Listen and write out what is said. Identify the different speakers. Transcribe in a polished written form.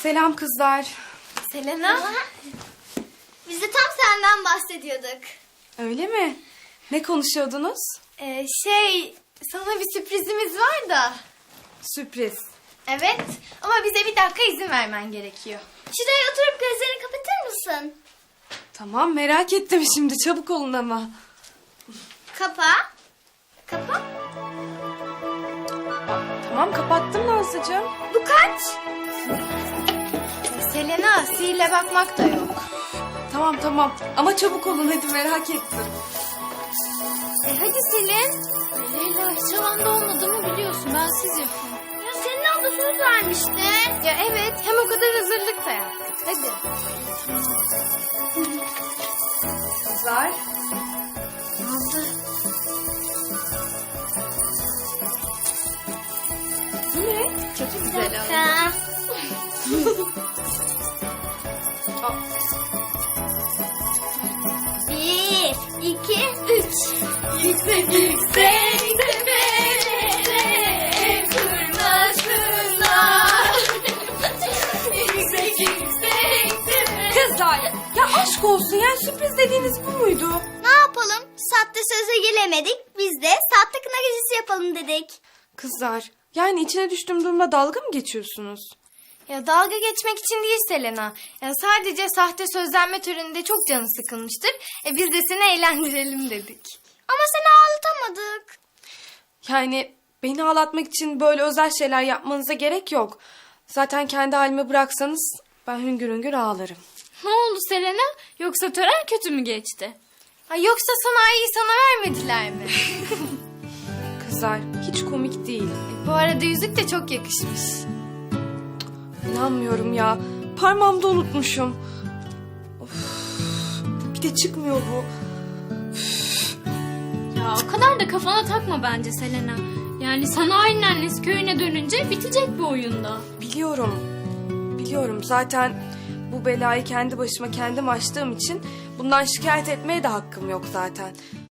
Speaker 1: Selam kızlar.
Speaker 2: Selena. Biz de tam senden bahsediyorduk.
Speaker 1: Öyle mi? Ne konuşuyordunuz?
Speaker 2: Sana bir sürprizimiz var da.
Speaker 1: Sürpriz.
Speaker 2: Evet ama bize bir dakika izin vermen gerekiyor. Şuraya oturup gözlerini kapatır mısın?
Speaker 1: Tamam, merak ettim şimdi. Çabuk olun ama.
Speaker 2: Kapa. Kapa.
Speaker 1: Tamam, kapattım Nazlıcığım.
Speaker 2: Bu kaç? Selena, sihirle bakmak da yok.
Speaker 1: Tamam. Ama çabuk olun hadi, merak ettim.
Speaker 2: Hadi Selin.
Speaker 3: Leyla hiç havanda olmadığımı biliyorsun. Ben siz yapın.
Speaker 2: Ya senin abla söz vermişti. Ya evet, hem o kadar hazırlık da yaptık. Hadi.
Speaker 1: Kızlar.
Speaker 2: Nazlı.
Speaker 1: Bu ne?
Speaker 2: Çok güzel oldu. Bir, iki, üç. Yüksek yüksek tepelere kırmasınlar. Yüksek yüksek tepelere.
Speaker 1: Kızlar, ya aşk olsun, yani sürpriz dediğiniz bu muydu?
Speaker 2: Ne yapalım? Sahte söze gelemedik. Biz de sahte kına gecesi yapalım dedik.
Speaker 1: Kızlar, yani içine düştüğüm durumda dalga mı geçiyorsunuz?
Speaker 2: Ya dalga geçmek için değil Selena. Ya sadece sahte sözlenme töreninde çok canı sıkılmıştır. Biz de seni eğlendirelim dedik. Ama seni ağlatamadık.
Speaker 1: Yani beni ağlatmak için böyle özel şeyler yapmanıza gerek yok. Zaten kendi halime bıraksanız ben hüngür hüngür ağlarım.
Speaker 3: Ne oldu Selena? Yoksa tören kötü mü geçti?
Speaker 2: Yoksa sanayiyi sana vermediler mi?
Speaker 1: Kızlar, hiç komik değil.
Speaker 2: Bu arada yüzük de çok yakışmış.
Speaker 1: İnanmıyorum ya. Parmağımda unutmuşum. Of, bir de çıkmıyor bu.
Speaker 3: Ya o kadar da kafana takma bence Selena. Yani sanayinin annesi köyüne dönünce bitecek bu oyunda.
Speaker 1: Biliyorum. Zaten bu belayı kendi başıma kendim açtığım için bundan şikayet etmeye de hakkım yok zaten.